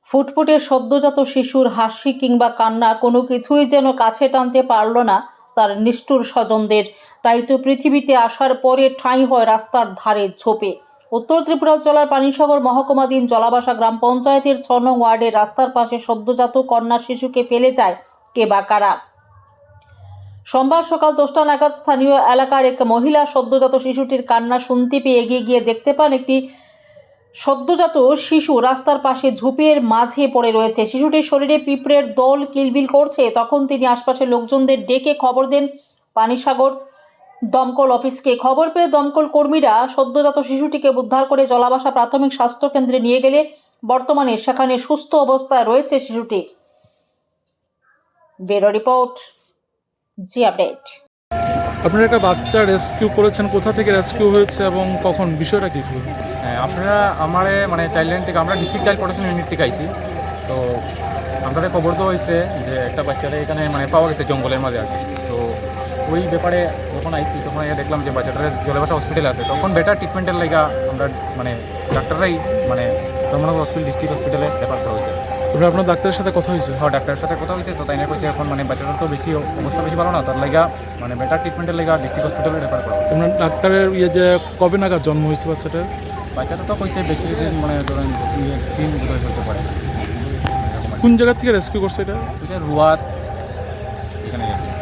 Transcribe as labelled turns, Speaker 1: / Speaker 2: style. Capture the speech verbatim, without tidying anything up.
Speaker 1: ফুটফুটে সদ্যজাত শিশুর হাসি কিংবা কান্না কোনো কিছুই যেন কাছে টানতে পারল না তার নিষ্ঠুর স্বজনদের। তাই তো পৃথিবীতে আসার পরে ঠাঁই হয় রাস্তার ধারে ঝোপে। উত্তর ত্রিপুরা জেলার পানিসাগর মহকুমাধীন জলাবাসা গ্রাম পঞ্চায়েতের ছ নং ওয়ার্ডের রাস্তার পাশে সদ্যজাত কন্যা শিশুকে ফেলে যায় কে বা কারা। সোমবার সকাল দশটা নাগাদ স্থানীয় এলাকার এক মহিলা সদ্যজাত শিশুটির কান্না শুনতে পেয়ে এগিয়ে গিয়ে দেখতে পান একটি সদ্যজাত শিশু রাস্তার পাশে ঝোপের মাঝে পড়ে রয়েছে। শিশুটির শরীরে পিঁপড়ের দল কিলবিল করছে। তখন তিনি আশপাশের লোকজনদের ডেকে খবর দেন পানিসাগর দমকল অফিসকে। খবর পেয়ে দমকল কর্মীরা সদ্যজাত শিশুটিকে উদ্ধার করে জলাবাসা প্রাথমিক স্বাস্থ্য কেন্দ্রে নিয়ে গেলে বর্তমানে সেখানে সুস্থ অবস্থায় রয়েছে শিশুটি। ব্যুরো রিপোর্ট, জি আপডেট।
Speaker 2: আপনারা একটা বাচ্চা রেস্কিউ করেছেন, কোথা থেকে রেস্কিউ হয়েছে এবং কখন, বিষয়টা কী ছিল?
Speaker 3: হ্যাঁ, আপনারা আমার মানে চাইল্ড লাইন থেকে আমরা ডিস্ট্রিক্ট চাইল্ড প্রোটেকশন ইউনিট থেকে আইছি। তো আমাদের খবর তো হয়েছে যে একটা বাচ্চাটা এখানে মানে পাওয়া গেছে জঙ্গলের মাঝে আর কি। তো ওই ব্যাপারে যখন আইছি তখন দেখলাম যে বাচ্চাটার জলাবাসা হসপিটালে আছে। তখন বেটার ট্রিটমেন্টের লাগা আমরা মানে ডাক্তাররাই মানে ধর্মনগর হসপিটাল ডিস্ট্রিক্ট হসপিটালে রেফার করা হয়েছে।
Speaker 2: আপনার আপনার ডাক্তারের সাথে কথা হয়েছে?
Speaker 3: হ্যাঁ, ডাক্তারের সাথে কথা হয়েছে। তো তাই না কইছে এখন মানে বাচ্চাটার তো বেশি অবস্থা বেশি ভালো না, তার লাগা মানে বেটার ট্রিটমেন্টের লাগা ডিস্ট্রিক্ট হসপিটালে রেফার করা হয়েছে।
Speaker 2: আপনার ডাক্তারের ইয়ে যে কবে নাগাদ জন্ম হয়েছে বাচ্চাটার?
Speaker 3: বাচ্চাটা তো কইছে বেশি দিন মানে ধরেন তিন বোধহয় হতে পারে।
Speaker 2: কোন জায়গা থেকে রেস্কিউ করছে এটা?
Speaker 3: রুয়াত এখানে